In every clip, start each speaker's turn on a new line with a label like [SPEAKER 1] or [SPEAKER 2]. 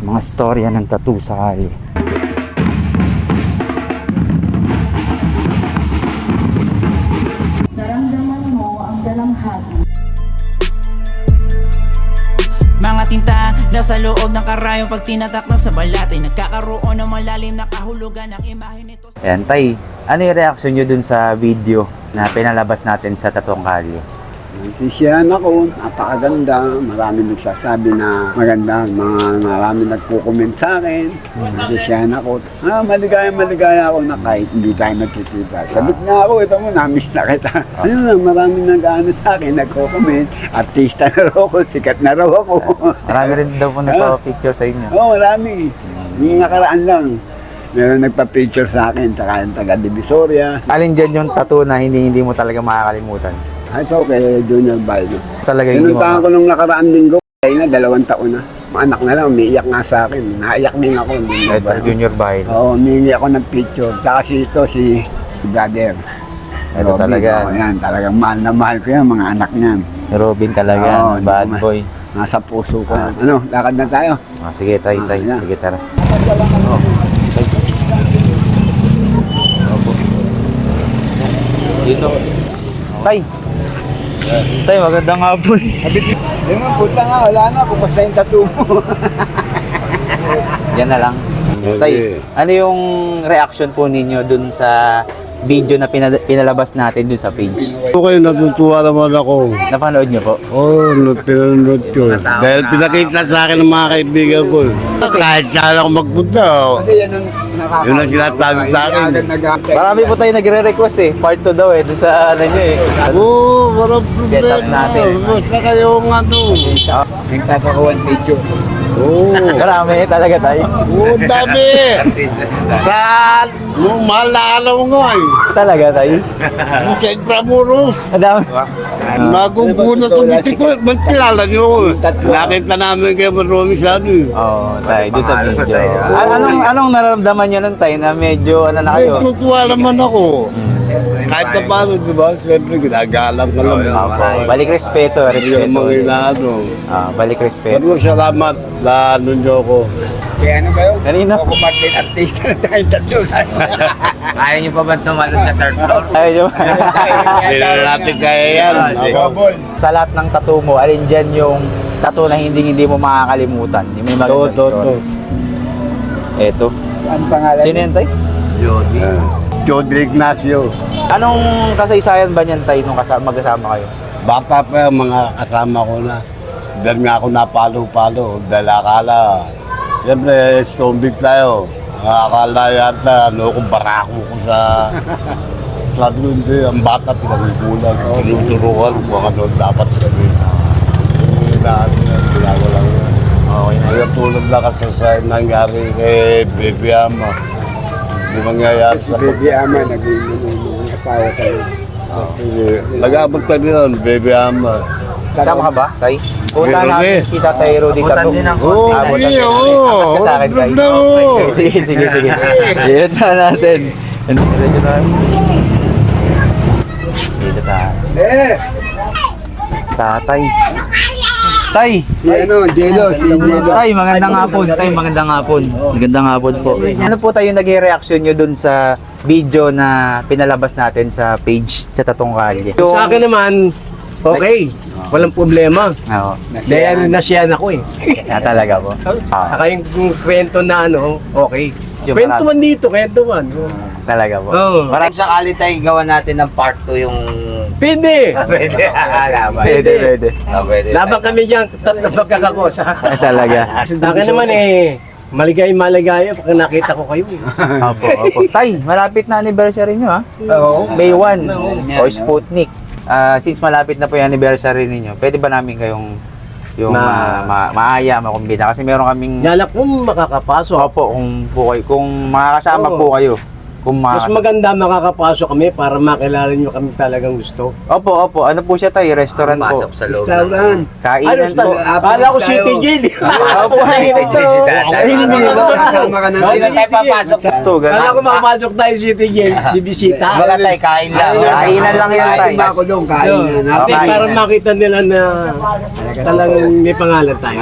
[SPEAKER 1] Mga storya ng tattoo sa kalye.
[SPEAKER 2] Naramdaman mo ang dalamhati.
[SPEAKER 3] Mga tinta nasa loob ng karayong pag tinatak na sa balat ay nagkakaroon ng malalim na kahulugan ng imahe nito.
[SPEAKER 1] Ayan, Tay, ano yung reaction nyo dun sa video na pinalabas natin sa Tattoo Kalye?
[SPEAKER 4] Sisiyahan ako, napakaganda. Marami nagsasabi na maganda. Marami nagko-comment sa akin. Sisiyahan ako. Maligaya ako na kahit hindi tayo nagkikita. Sabit nga ako, ito mo, namiss na kita. Ano lang, marami nag-ano sa akin, nagko-comment. Artista na raw ako, sikat na raw ako.
[SPEAKER 1] Marami rin daw po nagpa-picture sa inyo.
[SPEAKER 4] Oo, marami. Yung nakaraan lang. Meron nagpa-picture sa akin, tsaka yung taga-Divisoria.
[SPEAKER 1] Alin dyan yung tattoo na hindi mo talaga makakalimutan?
[SPEAKER 4] Ito kay Junior Baldo.
[SPEAKER 1] Talaga hindi mo
[SPEAKER 4] Pinuntahan ko nung nakaraan linggo, kaya na 2 taon na. Anak na lang, umiiyak nga sa akin. Naiyak din ako.
[SPEAKER 1] Ito, Junior Bail.
[SPEAKER 4] Oo, umiiyak ako ng picture. Tsaka si brother.
[SPEAKER 1] Ito
[SPEAKER 4] Robin,
[SPEAKER 1] talaga.
[SPEAKER 4] Yan, talagang mahal na mahal ko yan, mga anak niyan.
[SPEAKER 1] Robin talaga,
[SPEAKER 4] Oo,
[SPEAKER 1] bad
[SPEAKER 4] hindi ko
[SPEAKER 1] boy.
[SPEAKER 4] Nasa puso ko. Ano, lakad na tayo.
[SPEAKER 1] Sige, Tay.
[SPEAKER 4] yan.
[SPEAKER 1] Sige, tara. Dito. Tay! Tay, magandang hapon.
[SPEAKER 4] Ayun nga, puta nga, wala na. Bukas na yung tattoo mo.
[SPEAKER 1] Yan na lang. Tay, ano yung reaction po ninyo dun sa video na pinalabas natin dun sa page?
[SPEAKER 5] Okay, natutuwa naman ako.
[SPEAKER 1] Napanood nyo po?
[SPEAKER 5] Oo, pinanood ko. Dahil pinakita sa akin ng mga kaibigan ko. Kahit saan ako magpunta,
[SPEAKER 4] Kasi yan ang nakakasama.
[SPEAKER 5] yun ang sinasabi sa akin.
[SPEAKER 1] Marami po tayo nagre-request Part 2 daw dun sa ano nyo
[SPEAKER 5] Oo, walang
[SPEAKER 1] Set up
[SPEAKER 5] problema.
[SPEAKER 1] natin.
[SPEAKER 5] Basta kayong ano.
[SPEAKER 4] Nagtatakuan picture.
[SPEAKER 5] Oo.
[SPEAKER 1] Marami talaga tayo.
[SPEAKER 5] Oo, dami. Saan? Nung mahal na alam mo nga eh.
[SPEAKER 1] Talaga tayo.
[SPEAKER 5] Yung sa Inframuro.
[SPEAKER 1] Madami.
[SPEAKER 5] Bagong puno to dito ko. Ba't kilala niyo ko? Nakita namin kayo marami sa ano eh.
[SPEAKER 1] Oo, tayo. Dun sa video. Anong nararamdaman nyo nun tayo na medyo ano na
[SPEAKER 5] Ay,
[SPEAKER 1] kayo?
[SPEAKER 5] tutuwa naman ako. Kahit na paano, di ba? Siyempre, ginagalang ka lang.
[SPEAKER 1] Opo. Balik respeto.
[SPEAKER 5] Hindi ka mga inaano.
[SPEAKER 1] Balik respeto.
[SPEAKER 5] Pero salamat na ano niyo ko.
[SPEAKER 4] Kaya ano kayo?
[SPEAKER 1] Kanina.
[SPEAKER 4] Ako Martin, artista na tayong tattoo.
[SPEAKER 6] Ayaw niyo pa ba tumalon sa third floor?
[SPEAKER 1] Ayun.
[SPEAKER 5] Hindi na natin kaya yan. Ako.
[SPEAKER 1] Sa lahat ng tattoo mo, alin dyan yung tattoo na hindi mo makakalimutan? Yung may
[SPEAKER 5] To.
[SPEAKER 1] magandang story. Eto.
[SPEAKER 4] Ang pangalan?
[SPEAKER 1] Sino yan, Tay?
[SPEAKER 5] Jody Ignacio.
[SPEAKER 1] Anong kasaysayan ba niyan, Tay, nung magkasama kayo?
[SPEAKER 5] Bata pa yung mga kasama ko na. Dahil nga ako napalo-palo. Dahil akala, siyempre, stombig tayo. Akala yata, kung barako ko sa... Sabi ko, hindi, ang bata pinagkukulan. Tinuturuan kung ano dapat sabihin. Yung inaano na, ginagawa lang yan.
[SPEAKER 1] Okay na.
[SPEAKER 5] Kaya tulad na kasi sa nangyari kay Baby Ama. Hindi mangyayari
[SPEAKER 4] Si
[SPEAKER 5] sa
[SPEAKER 4] Baby Ama, naging asawa tayo.
[SPEAKER 5] Nag-abot kami nun, Baby Ama.
[SPEAKER 1] Sama ka ba, Tay? Punta
[SPEAKER 5] Rudy.
[SPEAKER 1] namin si Tatay Rudy
[SPEAKER 6] Abutan
[SPEAKER 1] Tattoo.
[SPEAKER 6] din ang
[SPEAKER 5] Oo,
[SPEAKER 1] Abutan
[SPEAKER 5] hindi,
[SPEAKER 1] din.
[SPEAKER 5] oo.
[SPEAKER 1] Akas ka sa akin, Tay.
[SPEAKER 5] Wala mo.
[SPEAKER 1] Sige. Dito na natin. Dito tayo. Dito tayo. Tatay. Tay!
[SPEAKER 4] Si ano, Jelo, si Jelo.
[SPEAKER 1] Tay, magandang hapon. Tay, magandang hapon. Magandang hapon po. Ano po tayo naging reaction nyo dun sa video na pinalabas natin sa page sa Tattoo Kalye?
[SPEAKER 7] Sa akin naman, okay. Walang problema.
[SPEAKER 1] Oo.
[SPEAKER 7] Dahil nasiyan ako eh.
[SPEAKER 1] Talaga po.
[SPEAKER 7] Saka yung kwento na ano, okay.
[SPEAKER 1] Yung
[SPEAKER 7] Kwentuhan dito, kwentuhan.
[SPEAKER 1] Talaga po.
[SPEAKER 7] Oo.
[SPEAKER 6] Marami sakali tayo gawa natin ng part 2 yung...
[SPEAKER 7] Pwede.
[SPEAKER 6] Pwede.
[SPEAKER 1] Pwede.
[SPEAKER 6] Pwede.
[SPEAKER 7] Laban kami dyan, tatlo magkakakosa.
[SPEAKER 1] Talaga.
[SPEAKER 7] Sa akin naman maligaya pag nakita ko kayo.
[SPEAKER 1] Opo. Tay, malapit na anniversary nyo ha?
[SPEAKER 7] Oo.
[SPEAKER 1] May 1 o Sputnik. Since malapit na po yung anniversary ninyo, pwede ba namin kayong maaya, makumbina? Kasi meron kaming...
[SPEAKER 7] Nalak mo makakapasok.
[SPEAKER 1] Opo, kung makakasama
[SPEAKER 7] Oo.
[SPEAKER 1] po kayo. Kung
[SPEAKER 7] Mas maganda makakapasok kami para makilala nyo kami talagang gusto.
[SPEAKER 1] Opo. Ano po siya tayo? Restaurant po.
[SPEAKER 6] Pasok sa loob.
[SPEAKER 4] Restaurant.
[SPEAKER 1] Kainan po.
[SPEAKER 7] Kala ko City Jail.
[SPEAKER 1] Opo,
[SPEAKER 6] Hindi si Tatay.
[SPEAKER 4] Hindi kasama ka na.
[SPEAKER 6] Hindi na tayo papasok.
[SPEAKER 1] Gusto,
[SPEAKER 7] Kala ko
[SPEAKER 1] ganun.
[SPEAKER 7] mapasok tayo City Jail. Bibisita.
[SPEAKER 6] Wala tayo, kain lang.
[SPEAKER 1] Kainan lang yan, tay.
[SPEAKER 4] Iba ko doon, kain na.
[SPEAKER 7] Hindi,
[SPEAKER 1] Okay.
[SPEAKER 7] para makita nila na talagang may pangalan tayo.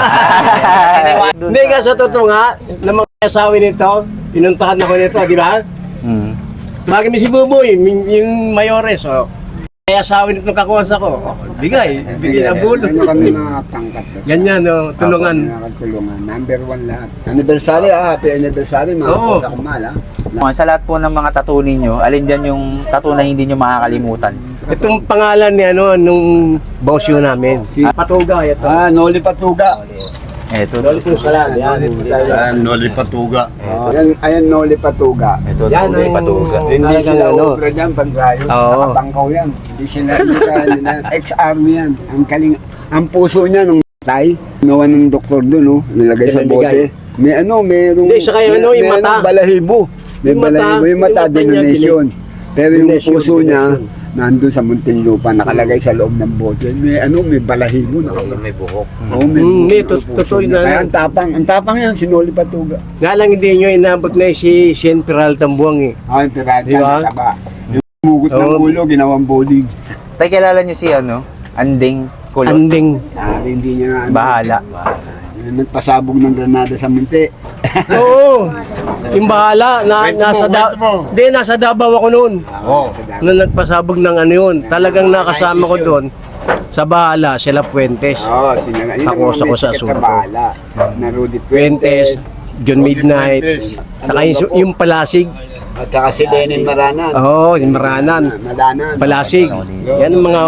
[SPEAKER 7] Hindi nga, sa totoo nga, na mga asawi nito, pinuntahan ako nito, di ba?
[SPEAKER 1] Hmm.
[SPEAKER 7] Lagi mi si Buboy, yung mayores, oh. Kaya asawi nito kakuwasa ko. Oh, bigay na bulo.
[SPEAKER 4] Ano kami mga pangkat.
[SPEAKER 7] Ganyan, oh, tulungan.
[SPEAKER 4] Tulungan. Number 1 lahat. Anniversary, happy anniversary, mga
[SPEAKER 7] Oo.
[SPEAKER 4] sa kumal,
[SPEAKER 1] Sa lahat po ng mga tattoo ninyo, alin dyan yung tattoo na hindi nyo makakalimutan?
[SPEAKER 7] Itong pangalan ni ano, nung bosyo namin. Si Patuga, ito.
[SPEAKER 4] Noli Patuga.
[SPEAKER 1] Ito.
[SPEAKER 7] Dol kung salam, yan.
[SPEAKER 5] Ayan, Noli Patuga.
[SPEAKER 4] Ayan, Noli Patuga.
[SPEAKER 1] Ito,
[SPEAKER 7] Yan,
[SPEAKER 1] tuloy
[SPEAKER 7] ang-
[SPEAKER 1] patuga.
[SPEAKER 4] Hindi
[SPEAKER 7] Talagang
[SPEAKER 4] sila
[SPEAKER 7] ano.
[SPEAKER 4] obra dyan, pag-rayo.
[SPEAKER 7] Oo.
[SPEAKER 4] Nakapangkaw yan. Hindi sila ex-army yan. Ang kaling, ang puso niya nung tay, ginawa ng doktor doon, no? Nilagay sa
[SPEAKER 7] Pinamigay.
[SPEAKER 4] bote. May ano,
[SPEAKER 7] Hindi, saka yung ano, yung
[SPEAKER 4] may
[SPEAKER 7] mata.
[SPEAKER 4] balahibo. May
[SPEAKER 7] Yung mata,
[SPEAKER 4] balahibo. Yung mata,
[SPEAKER 7] yung mata niya,
[SPEAKER 4] donation. Pero yung
[SPEAKER 7] Donation,
[SPEAKER 4] puso niya,
[SPEAKER 7] donation.
[SPEAKER 4] nandun sa Muntinlupa, nakalagay sa loob ng bote. May balahibo.
[SPEAKER 6] May buhok.
[SPEAKER 4] Oo,
[SPEAKER 7] Hindi,
[SPEAKER 4] puso
[SPEAKER 7] totoo
[SPEAKER 4] niya.
[SPEAKER 7] na
[SPEAKER 4] Kaya
[SPEAKER 7] yan.
[SPEAKER 4] ang tapang yan, sinuli Patuga.
[SPEAKER 7] Nga lang hindi nyo inabot na si Sien Peraltan Buwang eh.
[SPEAKER 4] Yung pirata,
[SPEAKER 7] Di ba?
[SPEAKER 4] nataba. Yung mugot ng
[SPEAKER 7] Oo.
[SPEAKER 4] ulo, ginawang bowling.
[SPEAKER 1] Tay, kilala nyo si ano? Anding Kulot.
[SPEAKER 7] Anding.
[SPEAKER 4] Hindi niya na
[SPEAKER 1] Bahala.
[SPEAKER 4] nagpasabog ng granada sa minti.
[SPEAKER 7] Oo. Yung bahala, nasa Davao ako noon.
[SPEAKER 5] Oo.
[SPEAKER 7] Nung nagpasabog ng ano yun, talagang nakasama ko doon. Sa bahala, sila Puentes.
[SPEAKER 4] Oo, sinaga. Yun ang
[SPEAKER 7] Ako
[SPEAKER 4] mga
[SPEAKER 7] sa
[SPEAKER 4] sikat
[SPEAKER 7] Surdo.
[SPEAKER 4] na bahala. Na Rudy
[SPEAKER 7] Puentes, John Midnight, saka yung Palasig.
[SPEAKER 4] At saka si Lenin Maranan.
[SPEAKER 7] Oo, yung Maranan.
[SPEAKER 4] Madanan.
[SPEAKER 7] Palasig. Yan ang mga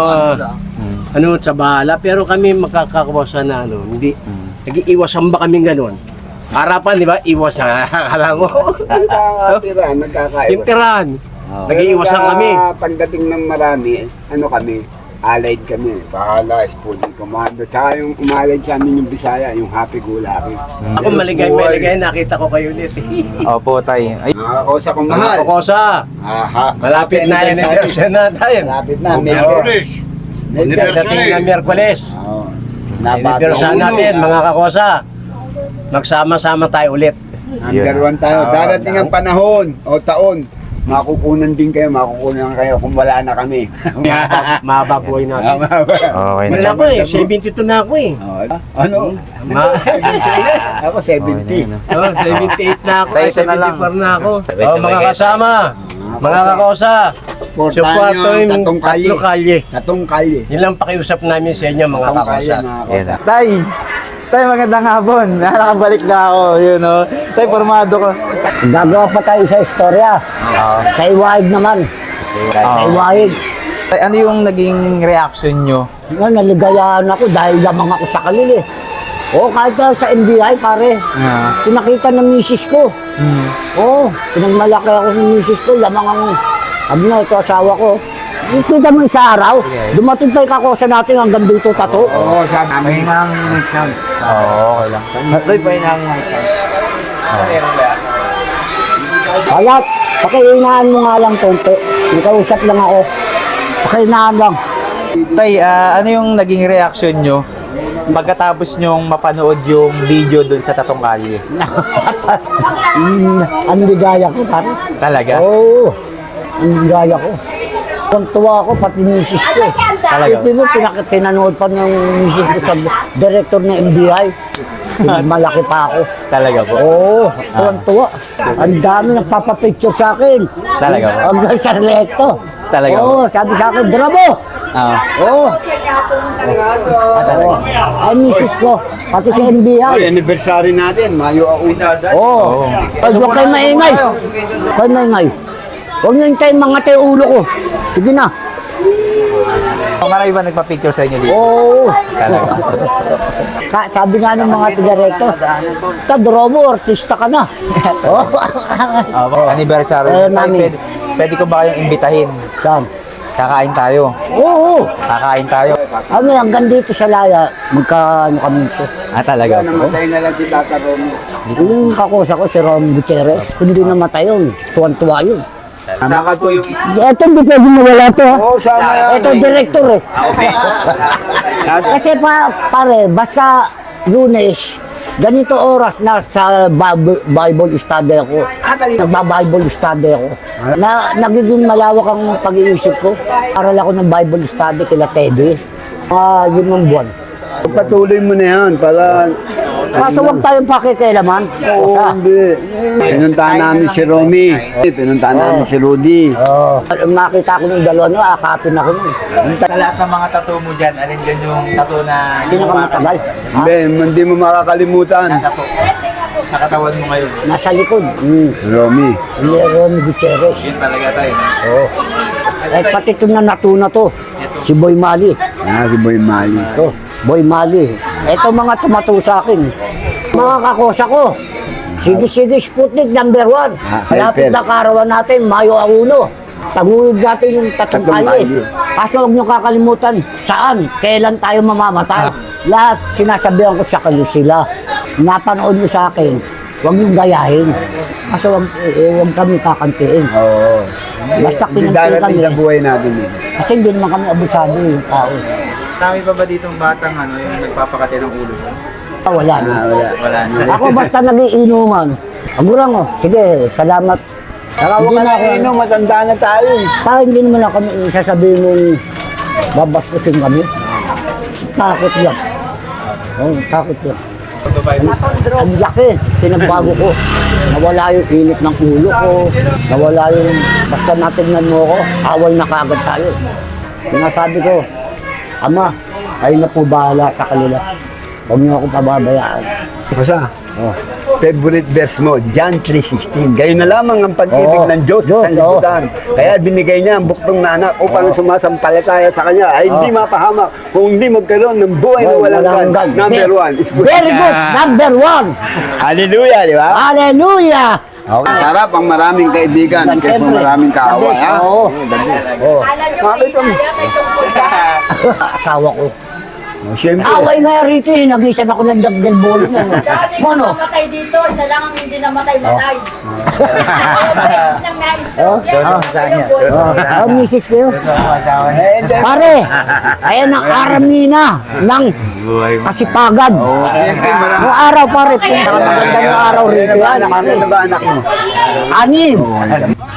[SPEAKER 7] ano sa bahala. Pero kami makakakuwasan na ano, hindi. Nag-iiwasan ba kami ganun? Harapan, di ba? Iwas na akala mo.
[SPEAKER 4] Nagkakatira, nagkakaiwas.
[SPEAKER 7] Yung tirahan. Nag-iiwasan kami.
[SPEAKER 4] Pagdating ng marami, ano kami, allied kami. Bahala, Spooning Commando. Tsaka yung umallied sa amin yung Bisaya, yung Happy Gulaki.
[SPEAKER 7] Ako maligay, nakita ko kayo ulit.
[SPEAKER 1] Opo, tay. Ay,
[SPEAKER 4] Nakakosa kong mahal.
[SPEAKER 7] Mga kokosa.
[SPEAKER 4] Aha.
[SPEAKER 7] Malapit na yan ang version natin.
[SPEAKER 4] Malapit na. May
[SPEAKER 5] Miyerkules.
[SPEAKER 7] Dating na Miyerkules.
[SPEAKER 4] Oo.
[SPEAKER 7] Anniversary natin, mga kakosa. Magsama-sama tayo ulit.
[SPEAKER 4] Number 1 tayo. Darating ang panahon o taon. Makukunan din kayo, makukunan kayo kung wala na kami.
[SPEAKER 7] Mahaba buhay natin.
[SPEAKER 1] okay
[SPEAKER 7] Wala
[SPEAKER 1] na.
[SPEAKER 7] ako eh, 72 na ako eh.
[SPEAKER 4] Ano?
[SPEAKER 7] Ma-
[SPEAKER 4] Ako 70.
[SPEAKER 7] oh, 78 na ako,
[SPEAKER 1] Tayo,
[SPEAKER 7] ay
[SPEAKER 1] isa na lang.
[SPEAKER 7] 74 na ako.
[SPEAKER 6] Sabay-sabay
[SPEAKER 7] Oh, mga
[SPEAKER 6] kayo.
[SPEAKER 7] kasama, mga kakosa.
[SPEAKER 4] Portahan nyo ang tatong kalye.
[SPEAKER 7] Tatlo kalye.
[SPEAKER 4] Tatong kalye.
[SPEAKER 7] Yun lang pakiusap namin sa inyo mga
[SPEAKER 4] Tatong kalye,
[SPEAKER 7] kakosa.
[SPEAKER 4] mga
[SPEAKER 1] Yan
[SPEAKER 4] kosa.
[SPEAKER 1] na. Tay! Tay, magandang hapon. Nakabalik na ako, yun o. Tay, formado ko.
[SPEAKER 8] Gagawa pa tayo sa istorya. Sa Iwahig naman. Sa Iwahig.
[SPEAKER 1] Tay, ano yung naging reaction nyo?
[SPEAKER 8] Naligayahan ako dahil lamang ako sa kalili. Oo, kahit sa NBI pare. Pinakita ng misis ko. Oo, pinagmalaki ako ng misis ko. Lamang ang, sabi na ito asawa ko. Kita mo sa araw, dumating pa yung kakosa natin hanggang dito tato.
[SPEAKER 4] Oo, sabi. May mga next chance.
[SPEAKER 1] Oo, okay lang.
[SPEAKER 6] Tay, pa yung
[SPEAKER 8] Kaya, pakihinaan mo nga lang konti. Nakausap lang ako. Pakihinaan lang.
[SPEAKER 1] Tay, ano yung naging reaction nyo pagkatapos nyong mapanood yung video dun sa Tatong Kalye?
[SPEAKER 8] Ang ligaya ko pare.
[SPEAKER 1] Talaga?
[SPEAKER 8] Oo, ang ligaya ko. Tuwa ako, pati misis ko.
[SPEAKER 1] Talaga?
[SPEAKER 8] Ito mo, pinanood pa ng misis ko sa director ng NBI. Malaki pa ako.
[SPEAKER 1] Talaga po?
[SPEAKER 8] Oo, tuwa. Ang dami nagpapapicture sa akin.
[SPEAKER 1] Talaga po?
[SPEAKER 8] Hanggang sa rekto.
[SPEAKER 1] Talaga po?
[SPEAKER 8] Oo, sabi sa akin, Bravo!
[SPEAKER 1] Ah.
[SPEAKER 8] Oo. Oo. Ay, misis ko, pati sa NBI.
[SPEAKER 4] Ay, anniversary natin, Mayo Auna.
[SPEAKER 8] Oo. Ay, huwag kayo maingay. Huwag kayo maingay. Huwag nyo hintayin mga tayo ulo ko. Sige na.
[SPEAKER 1] Marami ba nagpa-picture sa inyo dito?
[SPEAKER 8] Oo.
[SPEAKER 1] Talaga?
[SPEAKER 8] Sabi nga ng mga tiga-recto, Drobo, artista ka na. Oo.
[SPEAKER 1] Anniversary.
[SPEAKER 8] Eh,
[SPEAKER 1] Tay,
[SPEAKER 8] mami.
[SPEAKER 1] pwede ko ba kayong imbitahin
[SPEAKER 8] Saan?
[SPEAKER 1] Kakain tayo.
[SPEAKER 8] Oo.
[SPEAKER 1] Kakain tayo.
[SPEAKER 8] Kami hanggang dito sa Laya, magkaano kami ito.
[SPEAKER 1] Talaga po.
[SPEAKER 4] Namatay na lang si Tata Romy.
[SPEAKER 8] Yung kakusa ko, si Rom Gutierrez, hindi namatay yun. Tuwan-tuwa yun.
[SPEAKER 1] Saka po yung...
[SPEAKER 8] Ito hindi pwede mawala to.
[SPEAKER 4] Oo, sama yan.
[SPEAKER 8] Ito director eh. Kasi pare, basta Lunes, ganito oras na sa Bible study ako. Nagba-Bible study ako. Nagiging malawak ang pag-iisip ko. Aral ako ng Bible study kila Teddy. Yun ang buwan.
[SPEAKER 4] Patuloy mo na yan para...
[SPEAKER 8] Kaso huwag tayong pakikialaman.
[SPEAKER 4] Oo, hindi. Pinuntahan namin si Romy. Pinuntahan namin si Rudy.
[SPEAKER 8] Makita ko ng dalawa no, akapin ako nun.
[SPEAKER 1] Sa lahat ng mga tattoo mo dyan, alin dyan yung tattoo na
[SPEAKER 8] Pinakamatagal.
[SPEAKER 4] Hindi mo makakalimutan.
[SPEAKER 1] tattoo sa katawan mo ngayon?
[SPEAKER 8] Nasa likod.
[SPEAKER 4] Romy.
[SPEAKER 8] Hindi, Ron Gutierrez.
[SPEAKER 1] Yun talaga tayo.
[SPEAKER 8] Oo. Eh, pati ito na natuna to. Si Boy Mali.
[SPEAKER 4] Si Boy Mali.
[SPEAKER 8] Ito, Boy Mali. Ito mga tumato sa akin. Mga kakosa ko. Sige, Sputnik number 1. Malapit
[SPEAKER 4] helper.
[SPEAKER 8] na karawan natin, Mayo 1. Taguhid natin yung tatong
[SPEAKER 4] Tatong
[SPEAKER 8] kali.
[SPEAKER 4] kali.
[SPEAKER 8] Kaso huwag niyo kakalimutan, saan, kailan tayo mamamatay. Lahat sinasabihan ko sa kayo sila. Napanood niyo sa akin, huwag niyong gayahin. Kaso huwag kami kakantiin.
[SPEAKER 4] Oo.
[SPEAKER 8] Basta
[SPEAKER 4] Hindi
[SPEAKER 8] kinantiin
[SPEAKER 4] darating
[SPEAKER 8] kami.
[SPEAKER 4] sa buhay natin eh.
[SPEAKER 8] Kasi hindi naman kami abusado yung tao.
[SPEAKER 1] Dami pa ba ditong batang yung nagpapakati ng ulo?
[SPEAKER 8] Wala na.
[SPEAKER 1] Wala na.
[SPEAKER 8] Ako basta nagiinuman. Agurang sige, salamat.
[SPEAKER 4] Hindi na ako matanda na tayo.
[SPEAKER 8] Hindi naman ako kami sasabihin mong babaskusin kami. Takot lang. Takot lang. Ang laki, pinagbago ko. Nawala yung init ng ulo ko. Nawala yung, basta natignan mo ko, away na kagad tayo. Sinasabi ko, Ama, kayo na po bahala sa kanila. Huwag niyo ako pababayaan.
[SPEAKER 4] Basta, favorite verse mo, John 3:16. Gayon na lamang ang pag-ibig ng Diyos sa sanlibutan. Kaya binigay niya ang buktong na anak upang sumasampalataya sa Kanya ay hindi mapahamak kung hindi magkaroon ng buhay na walang hanggan. Number 1 is good.
[SPEAKER 8] Very good, number 1.
[SPEAKER 4] Hallelujah, di ba?
[SPEAKER 8] Hallelujah!
[SPEAKER 4] Sarap ang maraming kaibigan kaysa
[SPEAKER 8] Siyempre.
[SPEAKER 4] maraming kaaway.
[SPEAKER 8] Yes,
[SPEAKER 4] Ha?
[SPEAKER 8] oo. Oo.
[SPEAKER 4] Bakit mo?
[SPEAKER 8] Asawa ko.
[SPEAKER 4] Siyempre.
[SPEAKER 8] Away nga rito eh, nag-isan ako ng dagdag bolo na. Mono?
[SPEAKER 2] Namatay dito, siya lang ang hindi namatay-matay. Dalawang beses nang na-stroke yan.
[SPEAKER 1] sa kanya.
[SPEAKER 8] Misis ko yun. Pare, ayan ang aramina ng kasipagan. Noong araw pare, pinakamaganda ng araw rito yan.
[SPEAKER 4] Ano ba anak mo?
[SPEAKER 8] 6.